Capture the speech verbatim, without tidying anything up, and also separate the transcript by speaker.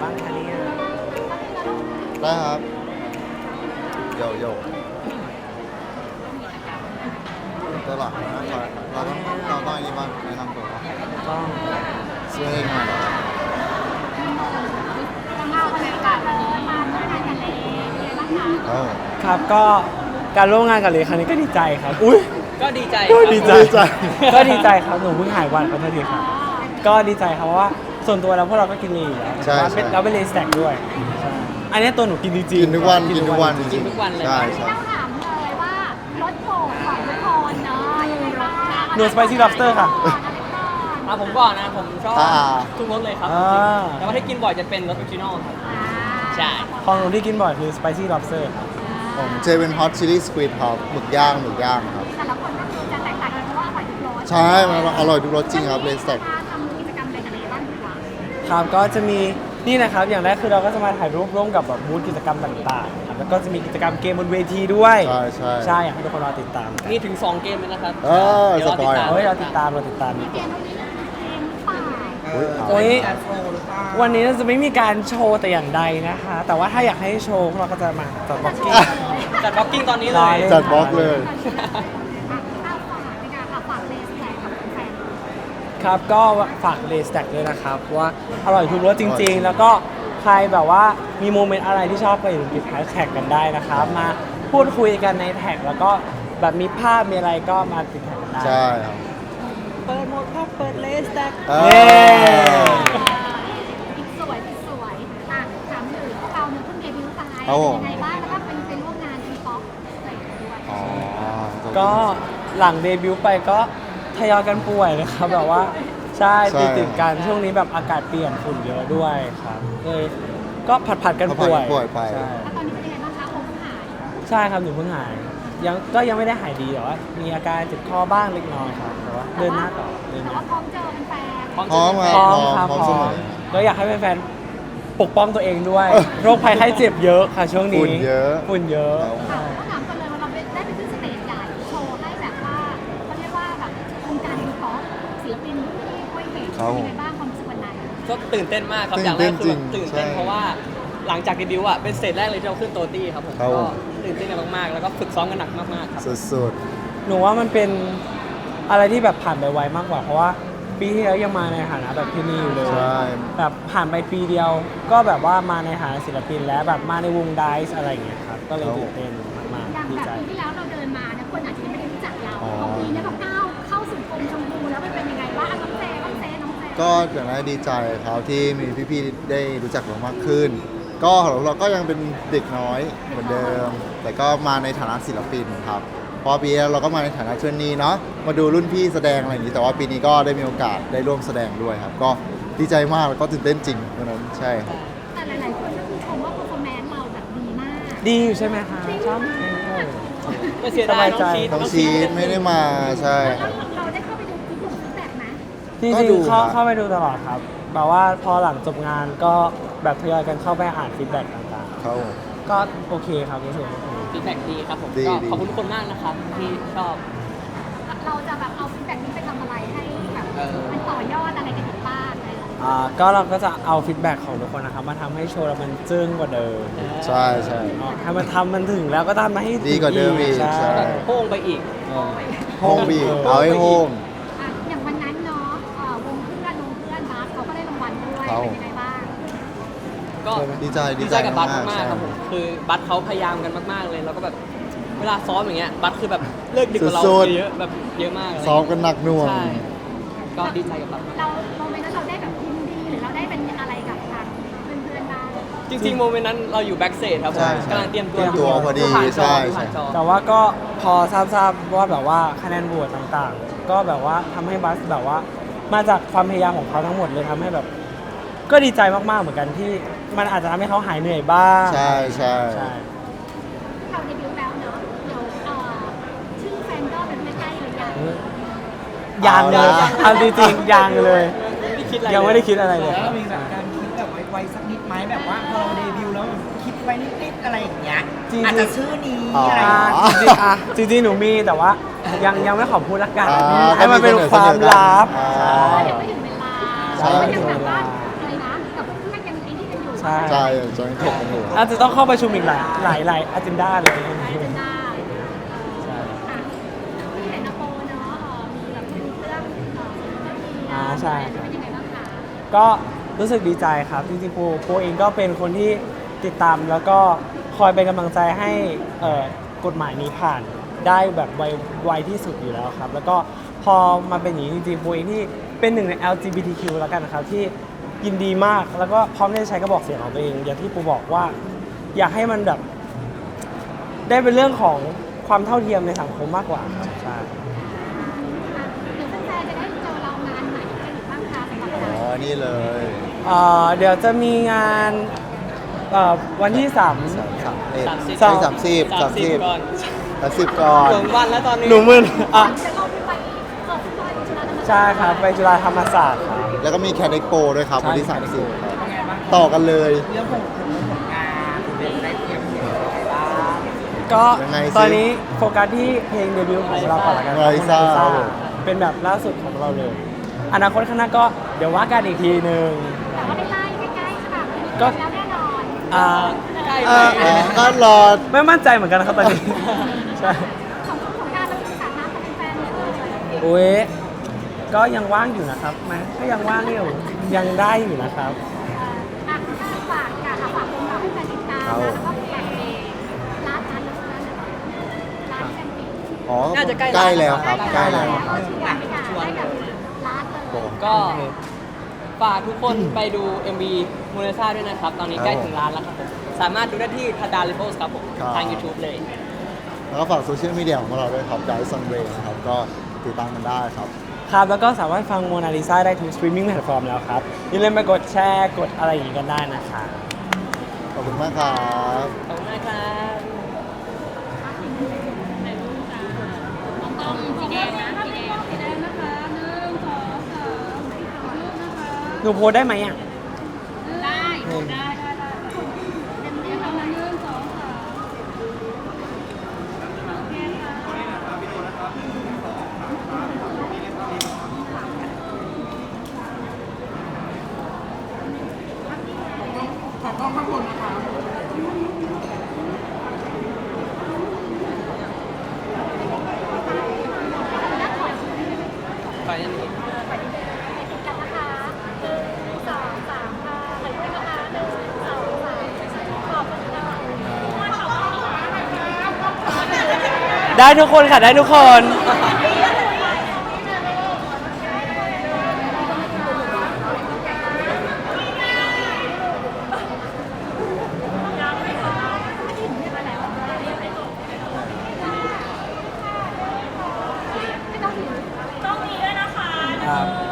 Speaker 1: บ้างคะเนี่ย
Speaker 2: ได้ครับโยโย่ตัวหลักนะเราต้องเราต้องอย่างนี้บ้างแนะนำตัว
Speaker 1: ต้อง
Speaker 2: ช่วยให้งานเหรอ
Speaker 3: เอาเลยค่ะเลยมาเมื่อไหร่กันเลยยังไงบ้างคะ
Speaker 2: เอ้า
Speaker 1: ครับก็การร่วมงานกับเลครั้งนี้ก็ดีใจครับอุ้ย
Speaker 4: ก็ดีใจ
Speaker 1: ก็
Speaker 4: ครับ
Speaker 1: ดีใจ
Speaker 2: ดีใจ
Speaker 1: ก็ดีใจครับหนูเพิ่งหายวันขอโทษทีครับก็ดีใจครับเพราะว่าส่วนตัวแล้วพวกเราก็กินลีอยู่แล้ว
Speaker 2: ใช่
Speaker 1: แล้วเป็น
Speaker 2: ใช่
Speaker 1: เราเป็นเลสแต็กด้วยใช่อันนี้ตัวหนูกินจริงๆ
Speaker 2: กินทุกวันกินทุกวันจ
Speaker 1: จ
Speaker 2: ริ
Speaker 1: ริ
Speaker 2: ง
Speaker 1: ง
Speaker 4: ทุกวันเลย
Speaker 2: ใช่ใช่
Speaker 3: ต้องถามเลยว่ารสโปรดของทุกคนเนาะยังไงบ้าง
Speaker 1: หนูสไปซี่ล็อบสเตอร์ค่ะ
Speaker 4: อ่ะผมก่อนนะ ผมชอบ
Speaker 2: อ่า
Speaker 4: ทุกรสเลยครับ
Speaker 1: อ่า
Speaker 4: จริงๆแต่ว่าถ้ากินบ่อยจะเป็นรสออริจินอลครับ ใช่
Speaker 1: ของหนูที่กินบ่อยคือ spicy lobster ครับ
Speaker 2: ผมเจเป็นฮอตชิลลี่สควีดครับหมึกย่างหมึกย่างครับ
Speaker 3: แต่ละคนก็คือจะแตกต่างกันเพราะว่าอร่อยทุกรส
Speaker 2: ใช่มันอร่อยทุกรสจริงครับเลสแต็ก
Speaker 3: ทำกิจกรรมอะไรกันบ้างดีกว่า
Speaker 1: ครับก็จะมีนี่นะครับอย่างแรกคือเราก็จะมาถ่ายรูปร่วมกับแบบบูธกิจกรรมต่างๆครับแล้วก็จะมีกิจกรรมเกมบนเวทีด้วย
Speaker 2: ใช่ใช่
Speaker 1: ใช่อยากให้ทุกคนรอติดตามกัน
Speaker 4: มีถึง สอง เกมเลยนะครับ
Speaker 2: เออ
Speaker 4: ดี๋วรติดตาม
Speaker 2: สปอยล์
Speaker 1: เฮ้ยเราติดตามเราติดตามดีก
Speaker 3: เก
Speaker 1: ว่าม
Speaker 3: ตรงนี้เกมป่า
Speaker 2: อุ๊ยเอา
Speaker 1: โอ้ยวันนี้เราจะไม่มีการโชว์แต่อย่างใดนะคะ แต่ว่าถ้าอยากให้โชว์พวกเราก็จะมาจัดบ็อกกิ้ง
Speaker 4: จัดบล็อกกิ้งตอนนี้เล
Speaker 1: ร
Speaker 4: ย
Speaker 1: อ
Speaker 2: จัดบล็อกเลย
Speaker 3: อ่ะเอาฝากในการฝากเลสแตกกับแฟน
Speaker 1: ครับก็ฝากเลสแต็กด้วยนะครับว่าอร่อยทุกรสจริง ๆ แล้วก็ใครแบบว่ามีโมเมนต์อะไรที่ชอบก็อย่าลืมติดแฮชแท็กกันได้นะครับ มาพูดคุยกันในแท็กแล้วก็แบบมีภาพมีอะไรก็มาติดแท็กกันได้
Speaker 2: ใช่ครับ
Speaker 4: เปิดโหมดครับเปิดเลสแต็ก
Speaker 2: เอ
Speaker 1: เย้
Speaker 2: อ
Speaker 3: อีกสวยอีกสวยอ่ะถามถึงพวกเราเนี่ยเพิ่งเดบิวต์ไป
Speaker 2: ครับผม
Speaker 3: ยังไงบ้างแล้วก็เป็นไปร่วมงานทีป๊อปอะไรอย่างเงี้ยด้วย
Speaker 2: อ๋อ
Speaker 1: ก็หลังเดบิวต์ไปก็ทยอยกันป่วยนะครับแบบว่าใช่
Speaker 2: ใช่
Speaker 1: ติดติดๆกันช่วงนี้แบบอากาศเปลี่ยนฝุ่นเยอะด้วยครับเลยก็ผัดผัดๆกันป่วย
Speaker 2: ผัดๆกันป่วยไป
Speaker 1: ใช่
Speaker 3: แล้วตอนนี้เป็นยังไงบ้างคะโอ้เพิ่งหาย
Speaker 1: ใช่ครับหนูเพิ่งหายยังก็ยังไม่ได้หายดีแต่ว่ามีอาการเจ็บคอบ้างเล็กน้อยครับแต่ว่าเดินหน้าต่อเดินห
Speaker 3: แต่
Speaker 1: น้า
Speaker 3: ว่าพร้อมเจอเป็นแฟน
Speaker 4: พร้อม
Speaker 2: พร้อม
Speaker 4: จะ
Speaker 2: ค
Speaker 1: พ
Speaker 2: บ
Speaker 1: ร้อมครับ
Speaker 2: พร้อม
Speaker 1: พ
Speaker 2: เส
Speaker 1: ร้อ
Speaker 2: ม
Speaker 1: ม
Speaker 2: อ
Speaker 1: ก็อยากให้แฟนๆปกป้องตัวเองด้วย โรคภัยไข้เจ็บเยอะค่ะช่วงนี้
Speaker 2: ฝุ่นเยอะ
Speaker 1: ฝุ่นเยอะ
Speaker 3: ค่ะต้องถามกันเลยว่าเราได้ไปขึ้นสเตจใหญ่โชว์ให้แบบว่าเขาเรียกว่าแบบวงการทีป๊อปศิลปินที่คุยเห็น
Speaker 2: ครับ
Speaker 3: เป็นยังไงบ้างความรู้สึกวันนั้น
Speaker 4: ก็ตื่นเต้นมากครับ
Speaker 2: ตื่น
Speaker 4: อย่างแรกคือแบบ
Speaker 2: เต้นจริง
Speaker 4: ตื่นเต้น
Speaker 2: ใช่
Speaker 4: เพราะว่าหลังจากเดบิวต์อ่ะเป็นสเตจแรกเลยที่เราขึ้นโตตี้ครับผม
Speaker 2: ครับ
Speaker 4: ก็ตื่นเต้นกันมากๆ แล้วก็ฝึกซ้อมกันหนักมากๆครับ
Speaker 2: สุด
Speaker 1: หนูว่ามันเป็นอะไรที่แบบผ่านไปไวมากกว่า เพราะว่าปีที่แล้วยังมาในฐานะแบบที่นี่อยู่เลย
Speaker 2: ใช่
Speaker 1: แบบผ่านไปปีเดียว ก็แบบว่ามาในฐานะศิลปินแล้วแบบมาในวงไดซ์อะไรอย่างเงี้ยครับก็เลยตื่นเต้นมาก
Speaker 3: อย่าง
Speaker 1: ๆดี
Speaker 3: แบบ
Speaker 1: ใจ
Speaker 3: ปีที่แล้วเราเดินมาเนี่ยคนอาจจะยังไม่ได้รู้จักเรา
Speaker 2: อ๋อ
Speaker 3: พอปีนี้เราก้าวเข้าสู่กรมชมพูแล้วมันเป็นยังไงบ้างน้องเจน้องเจน้องเจ
Speaker 2: ๆ ก็อย่างแรกดีใจครับที่มีพี่ๆได้รู้จักเรามากขึ้น ก็เราก็ยังเป็นเด็กน้อยเหมือนเดิม แต่ก็มาในฐานะศิลปินครับเพอปีแล้วเราก็มาในฐานะเทรนนีเนาะมาดูรุ่นพี่แสดงอะไรอย่างนี้แต่ว่าปีนี้ก็ได้มีโอกาสได้ร่วมแสดงด้วยครับ ก็ดีใจมากแล้วก็ตื่นเต้นจริงวันนั้นใช่ครับ
Speaker 3: แต่หลายๆคนก็คือชมว่า performance เราแบบดีมาก
Speaker 1: ดีอยู่ใช่ไหมคะชอบเออ
Speaker 4: ก็เสียดายน้องชีท
Speaker 2: น้องชีทไม่ได้มาใช่
Speaker 3: แล้วเราได้เข้าไปดูคลิปของฟีดแบ็กไหม
Speaker 1: จริง
Speaker 2: ก็ดู
Speaker 1: ๆเข้า
Speaker 2: ครับ
Speaker 1: เข้าไปดูตลอดครับแบบว่าพอหลังจบงานก็แบบทยอยกันเข้าไปอ่านฟีดแบ็กต่าง
Speaker 2: เขา
Speaker 1: ๆ ก็โอเคครับรู้สึกโอเค
Speaker 4: ฟีดแบ็กดีครับผม
Speaker 2: ดี
Speaker 4: ก็
Speaker 2: ดี
Speaker 4: ขอบคุณทุกคนมากนะครับที่ชอบ
Speaker 3: เราจะแบบเอาฟีดแบ็กนี้ไปทำอะไรให้แบบ
Speaker 4: เออ
Speaker 3: มันต่อยอดอะไรกันอีกบ้างอะไรอย่างเงี้ย
Speaker 1: อ่าก็เราก็จะเอาฟีดแบ็กของทุกคนนะครับมาทำให้โชว์เรามันจึ้งกว่าเดิม
Speaker 2: ใช่ใช่
Speaker 1: อ๋อถ้ามันทำมันถึงแล้วก็ทำมาให้ถึง
Speaker 2: ดีกว่าเดิมอีก
Speaker 1: ใช่
Speaker 2: ใช่
Speaker 4: โป้งไปอีก
Speaker 1: เออ
Speaker 2: โฮมบีกเอาให้โฮม
Speaker 3: อ่ะอย่างวันนั้นเนาะเอ่อวงเพื่อนวงเพื่อนบาสเขาก็ได้รางวัลด้วย
Speaker 2: ครับ
Speaker 3: เป็นยังไงบ้าง
Speaker 4: ก็
Speaker 2: ดีใจ
Speaker 4: ดีใจกับบัต
Speaker 2: มากๆ
Speaker 4: มาก
Speaker 2: ใช่
Speaker 4: ๆครับผมคือบัตเขาพยายามกันมากๆเลยแล้วก็แบบเวลาซ้อมอย่างเงี้ยบัตคือแบบเลิกดึกกว่าเรา
Speaker 2: สุดๆ
Speaker 4: เยอะแบบเยอะมากเลย
Speaker 2: ซ้อมกันหนักหน่วง
Speaker 4: ใช่ก็ดีใจกับบัต
Speaker 3: เราโมเมนต์นั้นเราได้แบบยินดีหรือเราได้เป็นอะไรกับทางเพื่อนๆบ้าง
Speaker 4: จริงๆโมเมนต์นั้นเราอยู่แบ็กเซจครับผม
Speaker 2: ใช่ใช่
Speaker 4: กำลังเตรียมตัว
Speaker 2: เตรียมตัวพอดี
Speaker 4: ผ่านจอ
Speaker 2: ใช่
Speaker 4: ผ่านจอ
Speaker 1: แต่ว่าก็พอทราบทราบว่าแบบว่าคะแนนโหวตต่างๆ ก็แบบว่าทำให้บัสแบบว่ามาจากความพยายามของเขาทั้งหมดเลยทำให้แบบ ก็ดีใจมากๆเหมือนกันที่มันอาจจะทำให้เขาหายเหนื่อยบ้าง
Speaker 2: ใช่ใช่
Speaker 1: ใช่
Speaker 3: เราเดบิวต์แล้วเนาะเดี๋ยวเอ่อชื่อแฟนก็เป็นใกล้ๆหรือยัง
Speaker 1: ยังเลยเอาจริงๆยังเลย
Speaker 4: ไม่ได้คิดอะไร
Speaker 1: ยังไม่ได้คิดอะไรเลย
Speaker 5: แล้วมีแบบการคิดแบบไวๆสักนิดไหมแบบว่าพอเราเดบิวต์แล้วคิดไว้นิดๆอะไรอย่างเงี้ย
Speaker 1: จริงๆ
Speaker 5: อาจจะชื่อนี้
Speaker 2: อ๋ออ
Speaker 5: อะไรอ
Speaker 1: อ่า
Speaker 5: ย่างเงี้ย
Speaker 1: จริงๆอ่ะจริงๆหนูมีแต่ว่ายังยังไม่ขอพูดละกัน
Speaker 2: อ่า
Speaker 1: ให้มันเป็น
Speaker 2: ก็มี
Speaker 1: ความลับ
Speaker 2: อ่า
Speaker 1: ใช่
Speaker 3: ยังไม่ถึงเวลา
Speaker 1: ใช่
Speaker 3: ก็ยังแบบว่าอะไรนะกับเพื่อนๆยังไอ้นี่กันอยู่
Speaker 1: ใใช่
Speaker 2: ใช่จะยังถกกันอยู่
Speaker 1: อาจจะต้องเข้าประชุมอีกหลายหลายหลายอาจนด้าเลย
Speaker 3: ได้เป็นได้
Speaker 1: ใช่
Speaker 3: อ่ะที่เห็นนโปเนาะเอ่อมีแบบมีเรื่องเอ่อมี
Speaker 1: อ่าใช่
Speaker 3: เป็นยังไงบ้างคะ
Speaker 1: ก็รู้สึกดีใจครับจริงๆปูปูเองก็เป็นคนที่ติดตามแล้วก็คอยเป็นกำลังใจให้เอ่อกฎหมายนี้ผ่านได้แบบไวไวที่สุดอยู่แล้วครับ แล้วก็พอมาเป็นอย่างนี้จริงๆปูเองที่เป็นหนึ่งใน แอล จี บี ที คิว แล้วกันนะครับที่ยินดีมากแล้วก็พร้อมที่จะใช้กระบอกเสียงของตัวเอง อย่างที่ปูบอกว่าอยากให้มันแบบได้เป็นเรื่องของความเท่าเทียมในสังคมมากกว่าครับใช่
Speaker 3: อ่ะเดี๋ยวแฟนๆจะได้เจอเรางานไหนกันอีกบ้างคะสำหรับ
Speaker 2: อ๋
Speaker 3: เรา
Speaker 2: อ นี่เลย
Speaker 1: เอ่อเดี๋ยวจะมีงานเอ่อวันที่สาม
Speaker 2: สามสามเอ็ด
Speaker 4: สามสิบ
Speaker 2: สามสามสิบสามสิบ
Speaker 4: ก่อน
Speaker 2: สามสิบก่อน
Speaker 4: ถึงวันแล้วตอนนี้
Speaker 1: หนูมึนอ่ะ
Speaker 3: จะลงไปเปิดตัวจุฬาธรรมศาสตร์
Speaker 1: ใช่ครับ ไปจุฬาธรรมศาสตร์ครับ
Speaker 2: แล้วก็มีแคดเอ็กโปด้วยครับ
Speaker 1: ใช่
Speaker 2: วันที่
Speaker 1: Cat
Speaker 2: สามสิบ
Speaker 1: Expo
Speaker 2: ครับ
Speaker 5: เป็นไงบ้าง
Speaker 2: ต่อกันเลย
Speaker 5: เรื่องของผลงานเป็นได้เตรียมเห็นอะไรบ้าง
Speaker 1: ก็
Speaker 2: ยังไงสิ
Speaker 1: ตอนนี้โฟกัสที่เพลงเดบิวต์ของเราก่อนละกันครับ
Speaker 2: Raisa
Speaker 1: Raisa
Speaker 2: ครับผม
Speaker 1: เป็นแบบล่าสุดของเราเลย อนาคตข้างหน้าก็เดี๋ยวว่ากันอีกทีหนึ่ง
Speaker 3: แต่ว่าได้ไล่ใกล้ๆใช่ป่ะ
Speaker 1: ก็
Speaker 3: แล้วแน่นอน
Speaker 1: อ่า
Speaker 4: ใกล้
Speaker 2: เอ
Speaker 4: ไป
Speaker 2: ออ๋อก็รอ
Speaker 1: ไม่มั่นใจเหมือนกันนะครับตอนนี้ ใช่
Speaker 3: ของของการเราเป็นสาธารณะเป็นแฟนเลย
Speaker 1: โอ้ยก็ยังว่างอยู่นะครับมาก็ยังว่างอยู่ยังได้อยู่นะครับ
Speaker 3: อ่ะถ้าฝากค่ะอ่ะฝากคนเราให้แฟนติดตาม
Speaker 2: ครับ
Speaker 3: นะแล้วก็เพลงร้านร้านร้านร้านแฟนติด
Speaker 2: อ๋อ
Speaker 4: น่าจะใกล้
Speaker 2: ใกล้แล้วครับ ใกล้แล้ว
Speaker 3: เอาชวนไปค่ะได้แบบร้านเลย
Speaker 4: ก็ฝากทุกคนไปดู เอ็ม วี มูนาซาด้วยนะครับ ตอนนี้ใกล้ถึงร้านแล้วครับผม สามารถดูได้ที่ทัดดาลิโพสครับผม
Speaker 2: ครับ
Speaker 4: ทาง YouTube เลย
Speaker 2: แล้วก็ฝากโซเชียลมีเดียของเราด้วยครับ d i c e on Way นะครับ ก็ติดตามกันได้ครับ
Speaker 1: ครับ แล้วก็สามารถฟังโมนาลิซาได้ทุกสตรีมมิ่งแพลตฟอร์มแล้วครับ อย่าลืมไปกดแชร์กดอะไรอย่างนี้กันได้นะครับ
Speaker 2: ขอบคุณมากครับ
Speaker 4: ขอบคุณมากครับ
Speaker 3: ต้องสีแดงนะสีแดงสีแดงนะคะหนึ่งสองสามรูปนะคะ
Speaker 1: หนูโพสได้ไหมอ่ะ
Speaker 3: ได้ได้ได้ได้เต็มที่ค่ะหนึ่งสองสามโอเคค่ะ
Speaker 5: ขอกล้องข้างบนนะคะ
Speaker 4: ไปอันนี้
Speaker 3: ติดกันนะคะหนึ่งสองสามค่ะขอบคุณนะคะหนึ่งสองสามขอบคุณค่ะ
Speaker 1: ได้ทุกคนค่ะ ได้ทุกคน
Speaker 3: ไม่ต้องถือต้องมีด้วยนะคะ
Speaker 1: ครับ